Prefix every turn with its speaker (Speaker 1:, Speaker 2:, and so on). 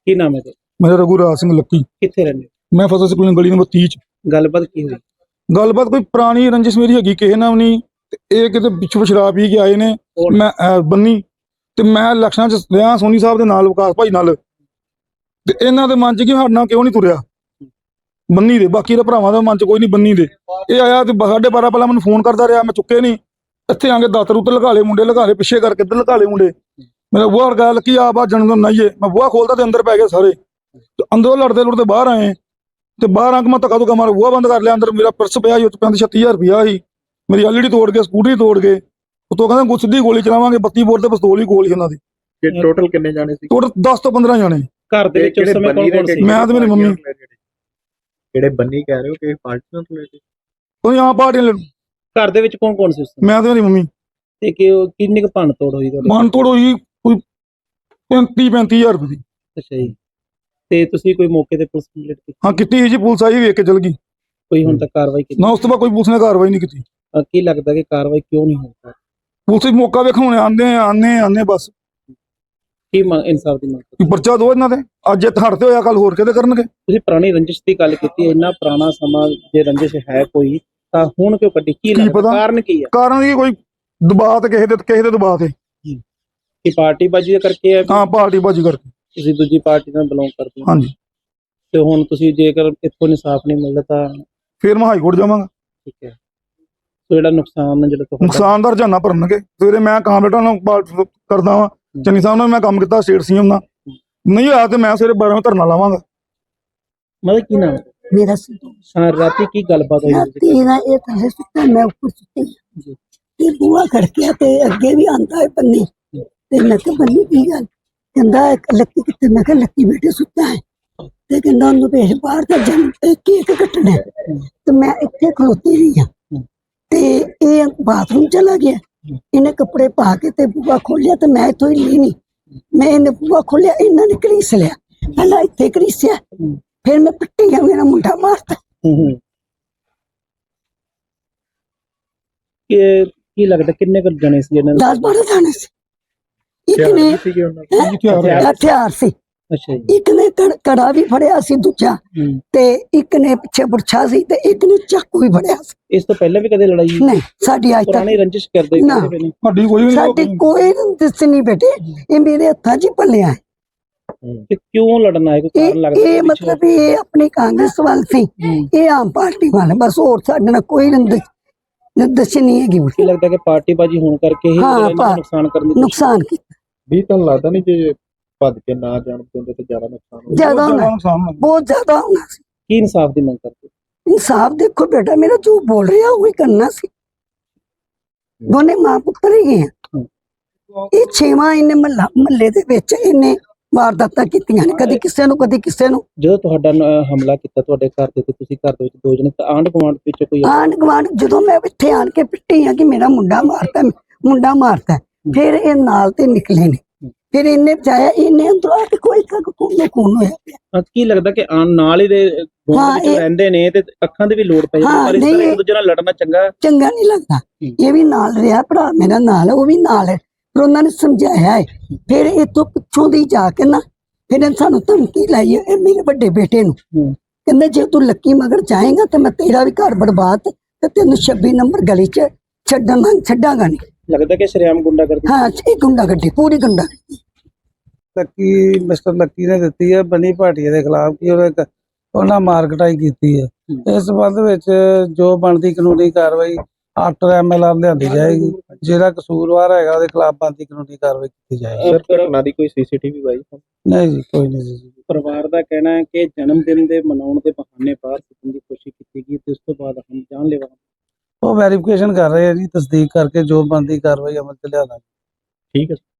Speaker 1: ਕੀ ਨਾਮ ਹੈ ਤੇ
Speaker 2: मेरा रघुराज सिंह लक्की।
Speaker 1: ਕਿੱਥੇ ਰਹਿੰਦੇ
Speaker 2: मैं फसल स्कूल गली नंबर 30 च।
Speaker 1: ਗੱਲਬਾਤ ਕੀ ਹੋਈ?
Speaker 2: गलबात कोई पुरानी रंजिश मेरी हैगी किसी नाल नहीं ते ये किते पिछों शराब पी के आए ने।
Speaker 1: कौन?
Speaker 2: मैं बन्नी ते मैं इलैक्शनां च रहा सोनी साहब दे नाल विकास भाई नाल ते इन्हां दे मन च कि साडे नाल क्यों नहीं तुरिया बन्नी दे, बाकी दे भरावां दे मन च कोई नहीं बन्नी दे। ये आया ते 12:30 पहला मैनूं फोन करदा रहा, मैं चुके नहीं। इत्थे आके दातर उत्ते लगा ले मुंडे, लगा ले पिछे करके इधर लगा ले मुंडे। मेरा बुआ अड़का लक्की आ बा जन्मदिन मनाइए। मैं बुआ खोलदा ते अंदर पै गए सारे ते अंदरों लड़ते लुड़ते बाहर आए ते बाहर आके मैं धक्का धुक्का मार बुआ बंद कर लिया। अंदर मेरा पर्स पिया ही, 36,000 रुपया ही, मेरी एलईडी तोड़ के स्कूटरी तोड़ के उतो कहंदे सीधी गोली चलावांगे। 32 बोर ते पिस्तौल ही कोल ही उन्हां दी।
Speaker 1: ਟੋਟਲ ਕਿੰਨੇ ਜਾਣੇ ਸੀ?
Speaker 2: टोटल 10 तो 15 जाने।
Speaker 1: ਘਰ ਦੇ ਵਿੱਚ ਉਸ ਸਮੇਂ ਕੌਣ ਕੌਣ ਸੀ?
Speaker 2: मैं ते मेरी मम्मी।
Speaker 3: ਜਿਹੜੇ ਬੰਨੀ ਕਹਿ ਰਹੇ ਹੋ ਕਿ ਪਾਰਟੀ ਨਾਲ ਰਿਲੇਟਡ?
Speaker 2: कोई यहाँ पार्टी
Speaker 1: ਘਰ ਦੇ ਵਿੱਚ ਕੌਣ ਕੌਣ ਸੀ ਉਸ ਸਮੇਂ?
Speaker 2: मैं ते मेरी मम्मी।
Speaker 1: ਤੇ ਕਿ ਕਿੰਨੀ ਕੁ ਭੰਨ ਤੋੜ ਹੋਈ ਤੁਹਾਡੇ?
Speaker 2: मन तोड़ हुई कोई 35,000 रुपये दी।
Speaker 1: ਅੱਛਾ ਜੀ। ਤੇ ਤੁਸੀਂ ਕੋਈ ਮੌਕੇ ਤੇ ਪੁਲਿਸ ਕੰਪਲੀਟ ਕੀਤੀ?
Speaker 2: हाँ कितनी जी पुलिस आई वेख के चल गई
Speaker 1: ਕੋਈ ਹੁਣ ਤੱਕ ਕਾਰਵਾਈ ਕੀਤੀ?
Speaker 2: ना। उस तो बाद कोई पुलिस ने कार्रवाई नहीं की।
Speaker 1: ਕੀ ਲੱਗਦਾ ਕਿ ਕਾਰਵਾਈ ਕਿਉਂ ਨਹੀਂ ਹੋ ਪਾ ਰਹੀ?
Speaker 2: पुलिस मौका वेखो आने बस
Speaker 1: ਕੀ ਇਨਸਾਫ ਦੀ ਮੰਗ
Speaker 2: कि पर्चा दो इन्हां दे। अज इत्थे हड़ते होया कल होर किते करनगे।
Speaker 1: ਤੁਸੀਂ ਪੁਰਾਣੀ ਰੰਜਿਸ਼ ਦੀ ਗੱਲ ਕੀਤੀ ਹੈ, ਇੰਨਾ ਪੁਰਾਣਾ ਸਮਾਂ ਜੇ ਰੰਜਿਸ਼ ਹੈ ਕੋਈ ਤਾਂ ਹੁਣ ਕਿਉਂ ਕੱਢੀ? ਕੀ ਲੱਗਦਾ
Speaker 2: ਪਤਾ?
Speaker 1: ਕਾਰਨ ਕੀ ਹੈ?
Speaker 2: कारण की कोई दबाव ते किसी दे दबाव ते।
Speaker 1: ਕਿ ਪਾਰਟੀ ਬਾਜੀ ਕਰਕੇ ਹੈ?
Speaker 2: हाँ पार्टी बाजी करके।
Speaker 1: ਤੁਸੀਂ ਦੂਜੀ ਪਾਰਟੀ ਨਾਲ ਬਿਲੋਂਗ ਕਰਦੇ ਹੋ
Speaker 2: हाँ जी।
Speaker 1: ਤੇ ਹੁਣ ਤੁਸੀਂ ਜੇਕਰ ਇੱਥੋਂ ਇਨਸਾਫ ਨਹੀਂ ਮਿਲਦਾ ਤਾਂ
Speaker 2: फिर मैं हाई कोर्ट जावांगा।
Speaker 1: ਠੀਕ ਹੈ। ਸੋ ਜਿਹੜਾ ਨੁਕਸਾਨ ਹੈ ਜਿਹੜਾ ਤੁਹਾਡਾ
Speaker 2: नुकसान दा रजाना भरनगे। सवेरे मैं कामरेडा नाल करदा वां, चन्नी साहब नाल मैं काम किया स्टेट सीएम नाल, नहीं होया ते मैं सवेरे 12 धरना लावांगा।
Speaker 1: ਮਤਲਬ ਕੀ ਨਾਮ?
Speaker 4: मेरा सिद्धू
Speaker 1: ਹਾਂ, ਰਾਤੀ ਕੀ ਗੱਲਬਾਤ ਹੋਈ?
Speaker 4: राती ना ये थल्ले सुत्ता, मैं ऊपर सुत्ती
Speaker 1: जी।
Speaker 4: ते बुआ खड़किया ते अगे भी आंदा है बन्नी ते मैं कहा बन्नी की गल? कहंदा लक्की कित्थे? मैं कहा लक्की बेटे सुत्ता है ते कहंदा ओनू भेज बाहर ते जन केक कटना है। ते मैं इत्थे खलोती रही हां ते ये बाथरूम चला गया। इन्हें कपड़े पा के ते बुआ खोलिया ते मैं इत्थों हिल्ली नहीं। मैं इन्हें बुआ खोलिया, इन्हां ने घड़ीस लिया, पहला इत्थे घड़ीसिया, फिर मैं पिट्टी गया, मेरा मुंडा मारता।
Speaker 1: ਕੀ ਲੱਗਦਾ ਕਿੰਨੇ ਕੁ ਜਣੇ ਸੀ ਇਹਨਾਂ
Speaker 4: 10-12 जाने से। एक ने हथियार से,
Speaker 1: ਅੱਛਾ ਜੀ।
Speaker 4: एक ने कड़ा भी फड़िया सी दूजा ते एक ने पिछे बुरछा सी ते एक ने चाकू भी फड़िया सी।
Speaker 1: ਇਸ ਤੋਂ ਪਹਿਲਾਂ ਵੀ ਕਦੇ ਲੜਾਈ?
Speaker 4: नहीं साडी आज
Speaker 1: ਪੁਰਾਣੀ
Speaker 4: तक
Speaker 1: ਰੰਜਿਸ਼ ਕਰਦੇ
Speaker 4: ਨਾ।
Speaker 1: ਕਿਸੇ ਨੇ?
Speaker 2: साडी कोई नहीं
Speaker 4: साडी कोई दिस नहीं बेटे, ये मेरे हथा च पलिया है।
Speaker 1: ਤੇ ਕਿਉਂ ਲੜਨਾ ਹੈ? ਕੋਈ ਕਾਰਨ ਲੱਗਦਾ?
Speaker 4: ये मतलब ये अपनी कांग्रेस वाल सी, ये आम पार्टी वाले बस, और साडे नाल कोई निर्देश नहीं है।
Speaker 1: ਕੀ ਲੱਗਦਾ ਕਿ ਪਾਰਟੀ ਬਾਜੀ ਹੋਣ ਕਰਕੇ ਹੀ
Speaker 4: ਹਾਂ,
Speaker 1: ਇਹਨਾਂ ਨੂੰ ਨੁਕਸਾਨ ਕਰਨ ਦੀ ਕੋਸ਼ਿਸ਼?
Speaker 4: नुकसान की
Speaker 3: ਵੀ ਤੁਹਾਨੂੰ ਲੱਗਦਾ ਨਹੀਂ ਜੇ ਭੱਜ ਕੇ ਨਾ ਜਾਣ ਦਿੰਦੇ ਤਾਂ ਜ਼ਿਆਦਾ ਨੁਕਸਾਨ ਹੋ
Speaker 4: ज्यादा होना,
Speaker 2: नुकसान होना।
Speaker 4: बहुत ज्यादा होना सी।
Speaker 1: ਕੀ ਇਨਸਾਫ ਦੀ ਮੰਗ ਕਰਦੇ?
Speaker 4: इंसाफ देखो बेटा, मेरा जो बोल रहा है वही करना सी। दोने मां पुत्र ही हैं। ये 6वां इन्हें महल्ले दे विच इन्हें वारदातां कीतियां ने, कदी किसे नूं कदी किसे नूं।
Speaker 1: ਜਦੋਂ ਤੁਹਾਡਾ ਹਮਲਾ ਕੀਤਾ ਤੁਹਾਡੇ ਘਰ ਦੇ ਤੇ ਤੁਸੀਂ ਘਰ ਦੇ ਵਿੱਚ ਦੋ ਜਣੇ ਤਾਂ ਆਂਢ ਗੁਆਂਢ ਵਿੱਚ ਕੋਈ
Speaker 4: आंढ गुआंढ जो मैं इत्थे आन के पिट्टी हाँ कि मेरा मुंडा मारता है, फिर ये नाल ते निकले ने, फिर इन्हें बचाया, इन्हें अंदरों आके कोई खून होया पिया।
Speaker 1: ਹਾਂ, ਕੀ ਲੱਗਦਾ ਕਿ ਨਾਲ ਹੀ ਦੇ ਗੁਆਂਢ
Speaker 4: ਹਾਂ,
Speaker 1: ਵਿੱਚ
Speaker 4: ਇਹ-
Speaker 1: ਰਹਿੰਦੇ ਨੇ ਤੇ ਅੱਖਾਂ ਦੇ ਵੀ ਲੋੜ ਪੈ ਜਾਂਦੀ,
Speaker 4: ਹਾਂ,
Speaker 1: ਪਰ ਇਸ ਤਰ੍ਹਾਂ
Speaker 4: ਨਹੀਂ,
Speaker 1: ਇੱਕ ਦੂਜੇ ਨਾਲ ਲੜਨਾ ਚੰਗਾ?
Speaker 4: चंगा नहीं लगता। ये भी नाल रहा, भरा मेरा नाल है, वो भी नाल है, फिर उन्होंने समझाया है। फिर इतों पिछों दी जाके ना फिर सानू धमकी लाई है मेरे बड़े बेटे नू, कहंदे जे तू लक्की मगर जाएगा तो मैं तेरा भी घर बर्बाद ते तेनू 26 नंबर गली च छड्डांगा नहीं।
Speaker 1: ਲੱਗਦਾ ਕਿ ਸ਼ਰੇਆਮ ਗੁੰਡਾ ਕਰਦੇ?
Speaker 4: हाँ ये गुंडागर्दी, पूरी गुंडागर्दी।
Speaker 5: ਲੱਕੀ ਮਿਸਟਰ ਲੱਕੀ ਨੇ ਦਿੱਤੀ ਹੈ ਬਨੀ ਭਾਟੀਆ ਦੇ ਖਿਲਾਫ ਕਿ ਉਹਨਾਂ ਮਾਰ ਕਟਾਈ ਕੀਤੀ ਹੈ। ਇਸ ਸੰਬੰਧ ਵਿੱਚ ਜੋ ਬਣਦੀ ਕਾਨੂੰਨੀ ਕਾਰਵਾਈ ਆਫਟਰ ਐਮਐਲਆਰ ਲਿਆਂਦੀ ਜਾਏਗੀ। ਜਿਹੜਾ ਕਸੂਰਵਾਰ ਹੈਗਾ ਉਹਦੇ ਖਿਲਾਫ ਬਣਦੀ ਕਾਨੂੰਨੀ ਕਾਰਵਾਈ ਕੀਤੀ ਜਾਏਗੀ।
Speaker 3: ਸਰ ਘਟਨਾ ਦੀ ਕੋਈ ਸੀਸੀਟੀਵੀ ਬਾਈ?
Speaker 5: ਨਹੀਂ ਜੀ, ਕੋਈ ਨਹੀਂ ਜੀ।
Speaker 1: ਪਰਿਵਾਰ ਦਾ ਕਹਿਣਾ ਹੈ ਕਿ ਜਨਮ ਦਿਨ ਦੇ ਮਨਾਉਣ ਦੇ ਬਹਾਨੇ ਬਾਹਰ ਸੁੱਟਣ ਦੀ ਕੋਸ਼ਿਸ਼ ਕੀਤੀ ਗਈ ਤੇ ਉਸ ਤੋਂ ਬਾਅਦ ਹਮ ਜਾਨਲੇਵਾ।
Speaker 5: ਉਹ ਵੈਰੀਫਿਕੇਸ਼ਨ ਕਰ ਰਹੇ ਆ ਜੀ, ਤਸਦੀਕ ਕਰਕੇ ਜੋ ਬਣਦੀ ਕਾਰਵਾਈ ਅਮਲ ਚ ਲਿਆਦਾਂਗੇ।
Speaker 3: ਠੀਕ ਹੈ।